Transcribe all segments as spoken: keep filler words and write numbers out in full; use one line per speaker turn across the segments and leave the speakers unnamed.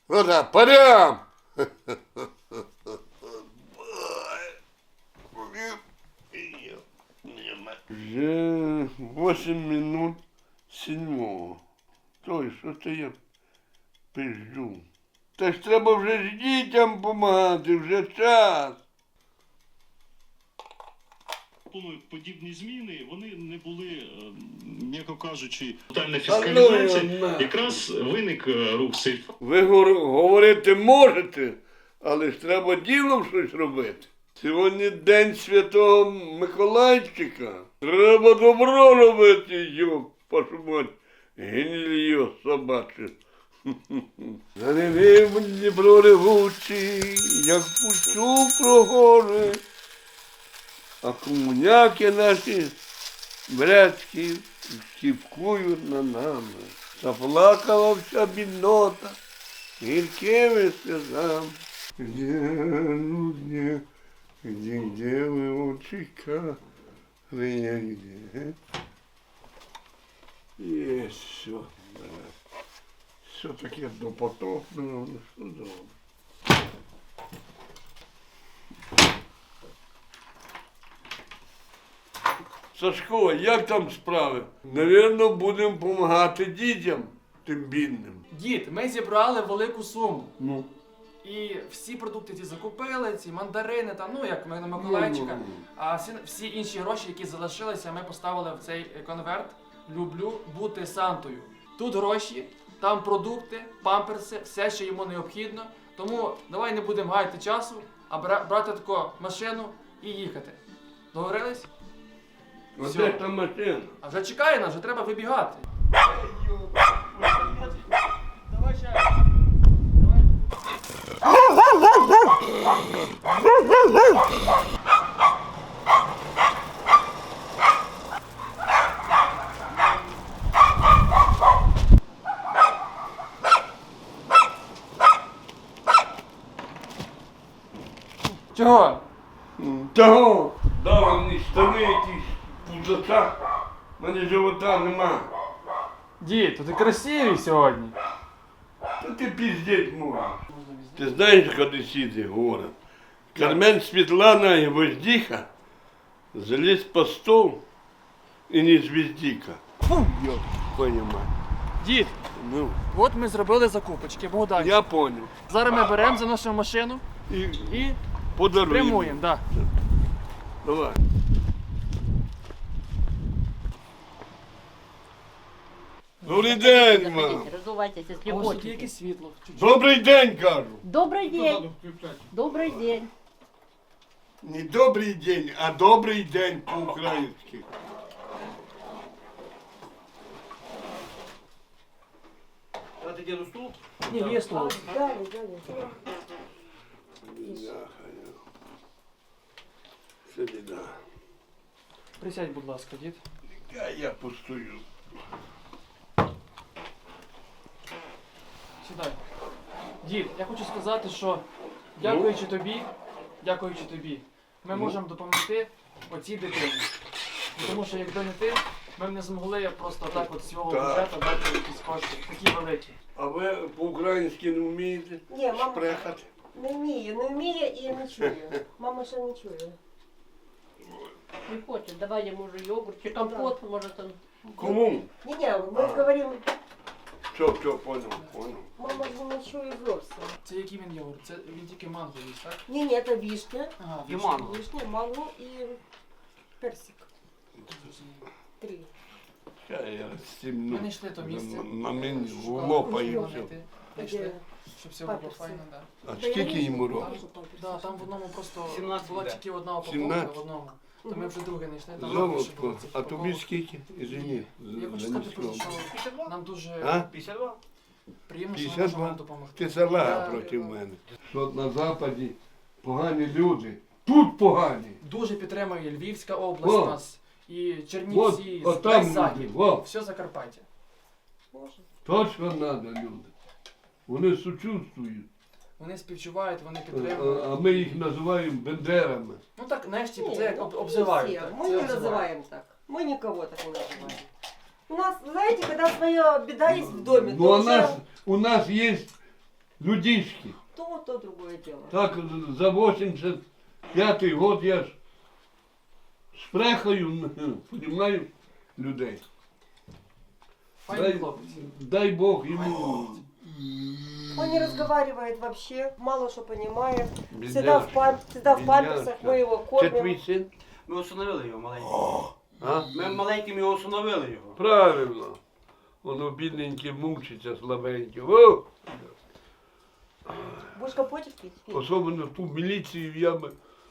Ну так, парям! Вже восемь минут седьмого. Той, що це я пизджу? Та ж треба вже ж дітям допомагати, вже час.
Подібні зміни, вони не були, е, м'яко кажучи, тотальна фіскалізація. Якраз виник е, рух сейф.
Ви гор- говорити можете, але ж треба ділом щось робити. Сьогодні день Святого Миколайчика. Треба добро робити, йоп, вашу мать, гнильо собаче. Заливив Дніпро ревучий, як пущу про гори, а комуняки наші брецькі шіпкують на нами. Заплакала вся біднота гіркими сльозами. Где, ну где, где, где ви очікали, я где? Є все. Все таке допотопне, ну що добре. Сашко, як там справи? Навірно, будемо допомагати дітям, тим бідним.
Дід, ми зібрали велику суму.
Ну.
І всі продукти ці закупили, ці мандарини, там, ну як ми на Миколайчика.
Ну, ну, ну.
А всі, всі інші гроші, які залишилися, ми поставили в цей конверт «Люблю бути Сантою». Тут гроші, там продукти, памперси, все, що йому необхідно. Тому давай не будемо гаяти часу, а бра- брати таку машину і їхати. Договорились?
А
Всьо.
де та машина?
А вже чекає нас, вже треба вибігати. Давай ще. Давай. Чого?
Того! Дали мені штани якісь пузата. У мене живота нема.
Дід, то ти красивий сьогодні.
Та ти піздець можеш. Ти знаєш, куди сіти город? Кармен Світлана і Воздіха заліз по стол і не звіздіка. Фу, йоп, понімаю.
Дід,
Ну,
от ми зробили закупочки, Богдан.
я понял.
Зараз ми беремо, заносимо машину
І
і
подаруємо.
прямуємо. Да.
Давай. Добрий день, мам.
Разувайтесь, если
А ось тут є
хотите.
якесь світло. Чуть-чуть.
Добрий день, кажу.
Добрый день. Добрый день.
Не добрий день, а добрий день по-українськи.
Дати діду стул?
Ні, є стол.
Дали, дали.
Це біда.
Присядь, будь ласка, дід.
Я, я постою.
Сідай. Дід, я хочу сказати, що дякуючи тобі, дякуючи тобі, ми
Ну.
можемо допомогти оцій дитині. Тому що якби не ти, ми б не змогли просто так от з свого
Так.
бюджету дати якісь кошти, такі великі.
А ви по-українськи не вмієте
Ні, мама
шпрехати?
не вміє, не вміє і не чує. Мама ще не чує.
Не хочет. Давай ему уже йогурт, чи компот, может он.
Кому?
Ні, ні, ми говоримо,
Що, що, понял, понял.
мама ж не чує зовсім.
Це який він йогурт? Це він тільки манго їсть, так?
Ні, ні, це вишня,
Ага,
І
вишня.
манго.
вишня, манго і персик. Три.
Я, я стімну.
Ми знайшли то місце.
На, на мені
Шукали,
лопаю
шукали
все.
знайти. Знайшли, щоб все було
Памперси.
файно, так.
А скільки йому
Там,
років?
да, там в одному просто
сімнадцять
була
буде.
тільки одна упаковка
сімнадцять?
в одному. То ми вже друге знайшли. Там більше
Золотко,
було цих
а тобі
упаковок.
скільки? Извини.
Я хочу сказати, просто, що нам дуже
А?
п'ятдесят два?
приємно, що ми
п'ятдесят
можемо вам
два?
допомогти.
Ти села
Я-
проти мене. Що на Западі погані люди. Тут погані.
Дуже підтримує Львівська область
О.
нас, і
От,
Чернівці,
от
весь
там
захід,
люди. Во.
все Закарпаття.
Може.
Точно треба люди. Вони сучувствують.
Вони співчувають, вони
А,
підтримують.
а ми їх називаємо бендерами.
Ну так, знаєш, типу,
Ні,
це як
ну,
об-
не
обзивають.
всі.
так,
Мы
це
не
обзивають.
называем так. Мы никого так не называем. У нас, знаете, когда своя беда есть в доме,
Ну,
то
у
уже...
нас, у нас є людишки.
То, то другое дело.
Так за вісімдесят п'ятий год я ж шпрехаю, понімаю, людей.
Файний
Дай,
хлопець.
дай Бог йому.
Он не разговаривает вообще, мало что понимает.
Бедняжка,
Всегда в, пам... Всегда в памперсах,
бедняжка.
мы его
Це твій
кормим.
син?
Ми усиновили його маленьким.
А?
Ми маленьким його усиновили його.
Правильно. Воно бідненьке мучиться, слабеньке. О!
Будешь компотик пить? Пить.
Особливо ту міліцію я би.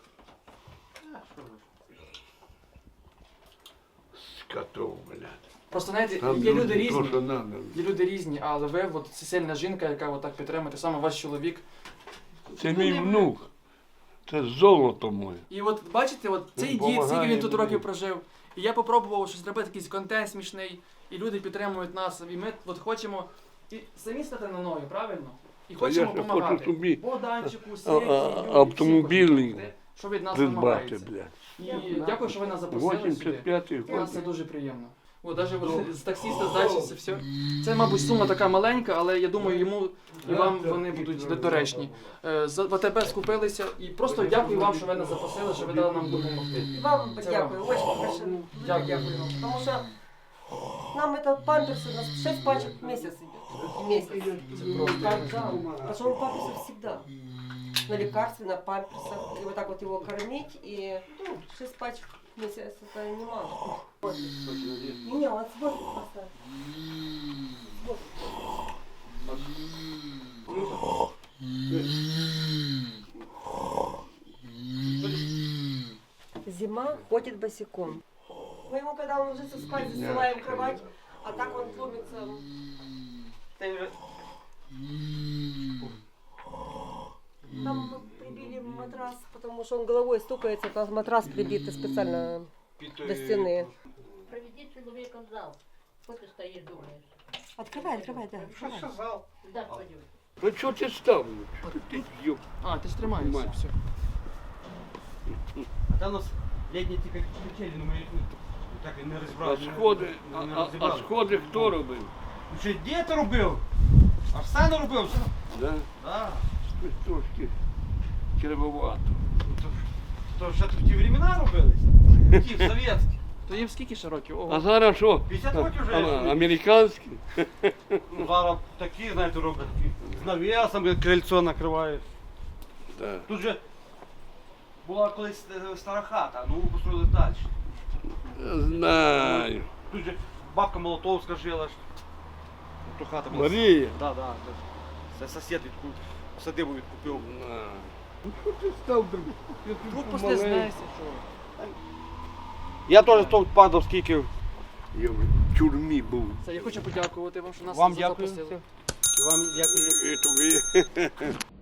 Скотов, блядь.
Просто знаєте,
Там
є люди
то,
різні.
що надо.
Є люди різні, але ви от це сильна жінка, яка отак підтримує, те саме ваш чоловік.
Це мій внук. Це золото моє.
І от бачите, от цей
Він
дід, скільки
помагає
він тут
мені.
років прожив. І я попробував щось зробити, якийсь контент смішний, і люди підтримують нас. І ми от хочемо і самі стати на ноги, правильно? І
Та
хочемо
я ще
допомагати.
хочу собі
Богданчику,
а-
Світі,
а-
Юлі,
автомобілі
всім хочемо, що від нас
придбати,
вимагається.
блядь.
І дякую, що ви нас запросили сюди.
вісімдесят п'ятий
У нас
год.
це дуже приємно. О, навіть от з таксиста здачі це все. Це, мабуть, сума така маленька, але я думаю, йому і вам вони будуть до- доречні. Е, За В АТБ скупилися і просто дякую вам, що ви нас запросили, що ви дали нам допомогти.
И вам
Це
дякую,
вам.
очень большое.
Дякую.
Дякую вам. Потому что нам это памперсы, у нас шесть пачек в месяц идет. В месяц. Так, да. Потому что он памперсы всегда. На лекарстве, на памперсах. И вот так вот его кормить. И ну, шесть пачек в месяц это немало. Вот. Не, он сборник поставил. Зима ходит босиком. Мы ему, когда он ложится спать, застилаем кровать, а так он ломится. Там мы прибили матрас, потому что он головой стукается, там матрас прибитый специально до стены.
Проведи человека в зал. Что ты стоишь, думаешь?
Открывай, открывай, да. открывай.
Да, пойдем.
Ну чого ти став? Що ти з'їв?
А, ти ж тримаєшся,
Тримаю.
все.
А там у нас літні ті качелі, ну ми так і не
А
розібрали.
сходи, а,
не
а, а
розібрали.
сходи хто робив?
Ну що, дід робив? Арсен робив? Що?
Да?
Да.
Щось трошки кривовато.
То, то ще в ті времена робились? Ті, в совєтські.
То їм скільки ще років?
А
Ого.
зараз що?
п'ятдесят років вже.
А, американські?
Ну, зараз такі, знаєте, роблять. такі. З навісом як крильцо накривають.
Да.
Тут же була колись е, стара хата, ну построїли далі.
Я знаю.
Тут же бабка Молотовська жила. ж. Ту хата була.
Марія.
Да, да. Це сусід відку... садибу відкупив.
На. Ну що ти став друг? Я тут
Вдруг
помаленьку.
пошли знаєшся, що.
Я теж тут падав, скільки.
Я в тюрмі був.
Це я хочу подякувати вам, що нас
Вам
запросили.
дякую. Вам дякую.
І тобі.